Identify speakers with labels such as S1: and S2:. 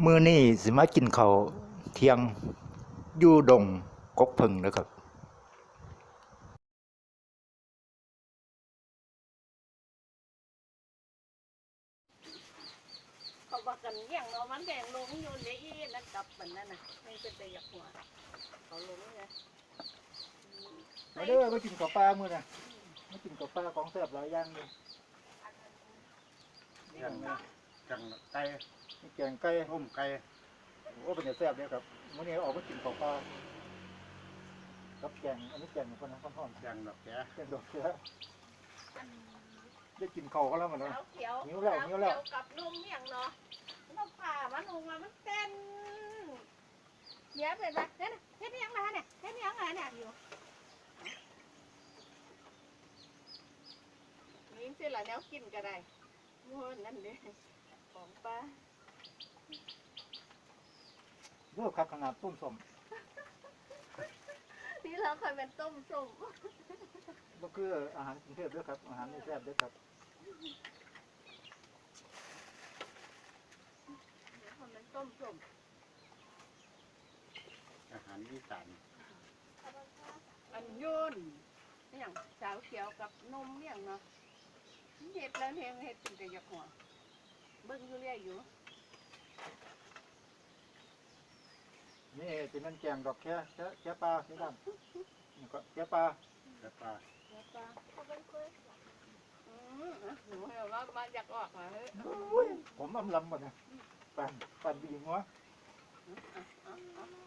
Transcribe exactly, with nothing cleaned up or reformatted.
S1: มื้อนี้สิมากินข้าวเที่ยงอยู่ดงกกเพิ่งเด้อครับ
S2: เขาบอกกันเลี้ยงเนาะมันแดงลงอยู่ในอีนั่นกับมันนั่นน่ะไม่เป็นแต่อยากหัวเขาลงไง
S1: มาเด้อมากินข้าวปลามื้อน่ะมากินข้าวปลาของแซ่บหลายอย่างเลย
S3: แกงแกงไก่
S1: มีแกงไก่
S3: ต้มไก่
S1: โอ้เป็นแต่แซ่บเด้อครับมื้อนี้ออกมากินข้าวปลากับแกงอันนี้แกงคนนั้นฮ้อน
S3: แกงดอกแก
S1: ๆแกงดอกเขือได้กินข้าวกันแล้วมันเนาะ
S2: แล้วเขียว
S1: หิวแล้วหิวแล้ว
S2: เขียวกับนุ่มเลี้ยงเนาะมันผ่ามันลงมามันเต้นเดี๋ยวเป็นแบบเนี่ยเฮ็ดยังไงเนี่ยเฮ็ดยังไงเนี่ยอยู่นี่สิละแนวกินก็ได้ม้วนนั่นเด้ของป้า
S1: เด้อครับขนาดต้มส้ม
S2: ที่เราเคยเป็นต้มส้ม
S1: บ่คืออาหารกรุงเทพเด้อครับอาหารนี่แซ่บเด้อครับ
S2: คนเป็นต้มส้ม
S3: อาหารอีสาน
S2: อันยุ่นอย่างสาวเขียวกับนมเลี้ยงเนาะเห็ดแล้วเฮงเห็ดเป็นแต่อยากหัวเบิ่งอยู่เรื่อยอยู่
S1: นี่เป็นนั่นแกงดอกแค่แค่แค่ปลาที่ด้านนี่ก็แค่ปลา
S3: แล้วปลา
S2: แล้วก็อืมหนูเห็นว่ามาอยากออกมาเฮ้ย
S1: ผมอำลำหมดนะปั่นปั่นดีหัว
S2: เอาเอาเอา